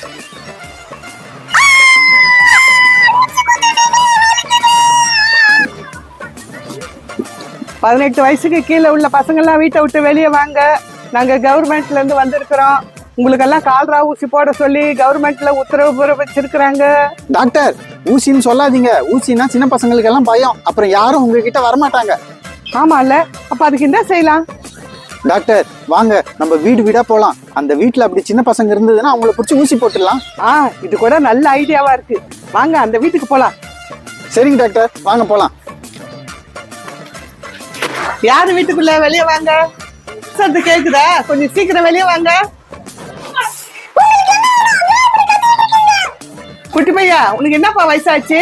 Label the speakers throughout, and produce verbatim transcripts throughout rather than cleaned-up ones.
Speaker 1: பதினெட்டு வயசுக்கு கீழே உள்ள பசங்க எல்லாம் வீட்டை விட்டு வெளியே வாங்க. நாங்க கவர்மெண்ட்ல இருந்து வந்திருக்கிறோம். உங்களுக்கெல்லாம் கால்ரா ஊசி போட சொல்லி கவர்மெண்ட்ல உத்தரவு வச்சிருக்கிறாங்க.
Speaker 2: டாக்டர், ஊசின்னு சொல்லாதீங்க. ஊசினா சின்ன பசங்களுக்கு எல்லாம் பயம். அப்புறம் யாரும் உங்ககிட்ட வரமாட்டாங்க.
Speaker 1: ஆமா இல்ல, அப்ப அதுக்கு என்ன செய்யலாம்?
Speaker 2: டாக்டர் வாங்க, நம்ம வீடு வீடா போலாம். அந்த வீட்டுல அப்படி சின்ன பசங்க இருந்ததுன்னா அவங்கள பிடிச்சி ஊசி போட்டுடலாம்.
Speaker 1: ஆ, இது கூட நல்ல ஐடியாவா இருக்கு. வாங்க அந்த வீட்டுக்கு போலாம்.
Speaker 2: சரிங்க டாக்டர், வாங்க போலாம்.
Speaker 1: யாரு வீட்டுக்குள்ள வெளியே வாங்க. சத்து கேக்குதா? கொஞ்சம் சீக்கிரம் வெளியே வாங்க. குட்டி பையா, உனக்கு என்னப்பா வயசாச்சு?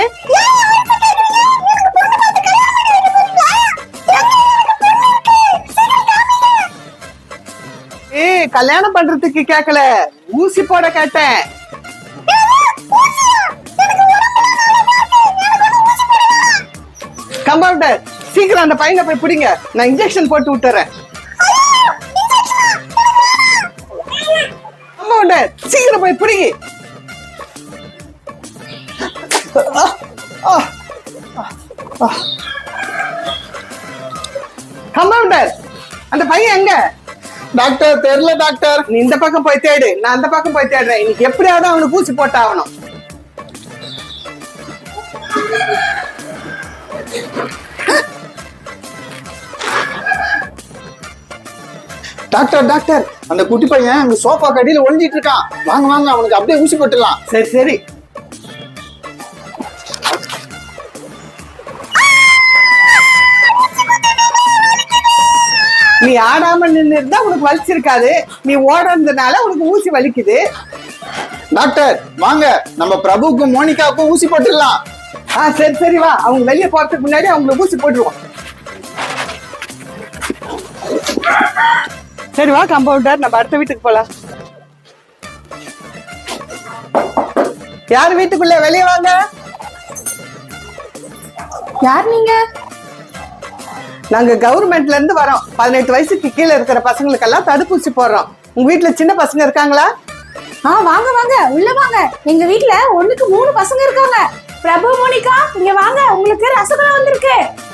Speaker 1: ஏய், கல்யாணம் பண்றதுக்கு கேக்கல, ஊசி போட கேட்டேன். கம்பவுண்டர், சீக்கிரம் அந்த பையனை போய் பிடிங்க. நான் இன்ஜெக்ஷன் போட்டு விட்டுறேன். கம்பவுண்டர், சீக்கிரம் போய் பிடிங்க. கம்பவுண்டர், அந்த பையன் எங்க?
Speaker 2: டாக்டர் தெரியல டாக்டர்.
Speaker 1: நீ இந்த பக்கம் போய் தேடு, நான் அந்த பக்கம் போய் தேடுறேன். இன்னைக்கு எப்படியாவது அவனுக்கு ஊசி போட்டாகணும்.
Speaker 2: டாக்டர் டாக்டர், அந்த குட்டி பையன் அங்க சோஃபா கடியில ஒளிஞ்சிட்டு இருக்கான். வாங்க வாங்க, அவனுக்கு அப்படியே ஊசி போட்டுடலாம்.
Speaker 1: சரி சரி. நீ ஆடாம நின்று இருந்தா உனக்கு வலிச்சிருக்காது. நீ ஓடுறதுனால உனக்கு ஊசி வலிக்குது.
Speaker 2: டாக்டர் வாங்க, நம்ம பிரபுக்கும் மோனிகாவுக்கும் ஊசி போட்டுடலாம்.
Speaker 1: ஆ சரி சரி, வா. அவங்க வெளியே போறதுக்கு முன்னாடி அவங்களுக்கு ஊசி போட்டுருவோம். சரி வா கம்பவுண்டர், நம்ம அடுத்த வீட்டுக்கு போலாம். யார் வீட்டுக்குள்ள வெளியே வாங்க.
Speaker 3: யார் நீங்க?
Speaker 1: நாங்க கவர்மெண்ட்ல இருந்து வரோம். பதினெட்டு வயசுக்கு கீழே இருக்கிற பசங்களுக்கெல்லாம் தடுப்பூசி போடுறோம். உங்க வீட்டுல சின்ன பசங்க இருக்காங்களா?
Speaker 3: ஆ வாங்க வாங்க, உள்ள வாங்க. எங்க வீட்டுல ஒண்ணுக்கு மூணு பசங்க இருக்காங்க. பிரபு, மோனிகா, இங்க வாங்க. உங்களுக்கு ரசகுல்லா வந்திருக்கு.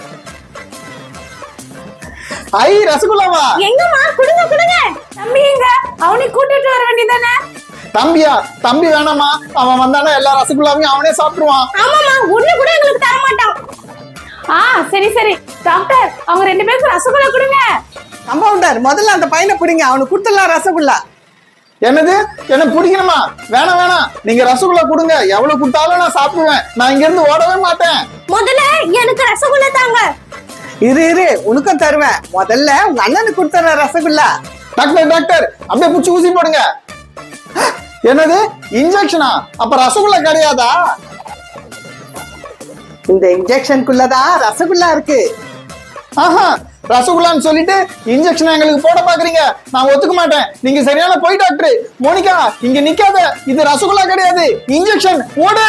Speaker 2: ஐ, ரசகுல்லாவா?
Speaker 3: எங்கம்மா? குடுங்க குடுங்க. தம்பி எங்க? அவனை கூட்டிட்டு வர வேண்டியதானே?
Speaker 2: தம்பியா? தம்பி வேணாமா, அவன் வந்தானா எல்லா ரசகுல்லாவையும் அவனே சாப்பிடுவான்.
Speaker 3: ஆமாமா, ஒண்ணு கூட எங்களுக்கு தர மாட்டான். ஆ சரி சரி. டாக்டர், அவங்க ரெண்டு பேருக்கு ரசகுல்லா கொடுங்க.
Speaker 1: கம்பவுண்டர், முதல்ல அந்த பையனை பிடிங்க. அவனுக்கு கொடுத்துடலாம் ரசகுல்லா.
Speaker 2: என்னது? என்ன பிடிக்கணுமா? வேணாம் வேணாம், நீங்க ரசகுல்லா கொடுங்க. எவ்வளவு கொடுத்தாலும் நான் சாப்பிடுவேன். நான் இங்க இருந்து ஓடவே மாட்டேன்.
Speaker 3: முதல்ல எனக்கு ரசகுல்லா தாங்க.
Speaker 1: இரு இரு, உனக்கும் தருவேன். முதல்ல உங்க அண்ணனுக்கு கொடுத்துற ரசகுல்லா.
Speaker 2: டாக்டர் டாக்டர், அப்படியே புடிச்சு ஊசி போடுங்க. என்னது? இன்ஜெக்ஷனா? அப்ப ரசகுல்லா கிடையாதா?
Speaker 1: இந்த இன்ஜெக்ஷனுக்குள்ளதான் ரசகுல்லா இருக்கு.
Speaker 2: ஆஹா, ரசகுல்லான்னு சொல்லிட்டு இன்ஜெக்ஷன் எங்களுக்கு போட பாக்குறீங்க. நான் ஒத்துக்க மாட்டேன். நீங்க சரியான போய் டாக்டர். மோனிகா, இங்க நிக்காத. இது ரசகுல்லா கிடையாது, இன்ஜெக்ஷன். ஓடு.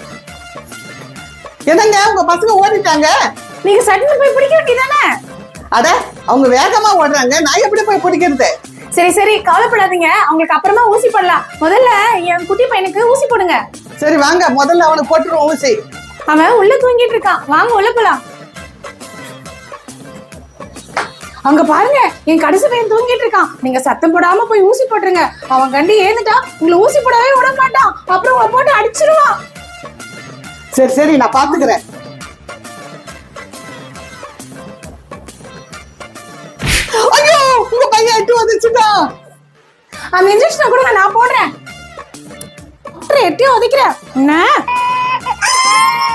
Speaker 1: என்னங்க உங்க பசங்க ஓடிட்டாங்க?
Speaker 3: நீங்க சட்டுன்னு போய் பிடிக்க வேண்டியதானே?
Speaker 1: அட, அவங்க வேகமா ஓடுறாங்க, நான் எப்படி போய் பிடிக்கிறது?
Speaker 3: சரி சரி, கவலைப்படாதீங்க. அவங்களுக்கு அப்புறமா ஊசி போடலாம். முதல்ல என் குட்டி பையனுக்கு ஊசி போடுங்க.
Speaker 1: சரி வாங்க, முதல்ல அவனுக்கு போட்டுருவோம் ஊசி.
Speaker 3: அவன் உள்ள தூங்கிட்டு இருக்கான். வாங்க உள்ள போலாம். அங்க பாருங்க, என் கடைசி பையன் தூங்கிட்டு இருக்கான். நீங்க சத்தம் போடாம போய் ஊசி போட்டுருங்க. அவன் கண்டு ஏந்துட்டா உங்களை ஊசி போடவே விட மாட்டான். அப்புறம் உங்களை போட்டு அடிச்சிருவான்.
Speaker 1: சரி சரி, நான் பாத்துக்கிறேன். ஐயோ, உங்க பையன் எட்டு வந்துச்சுடா.
Speaker 3: அந்த இன்ஜெக்ஷனை கொடுங்க, நான் போடுறேன். எட்டியும் உதைக்கிறேன். என்ன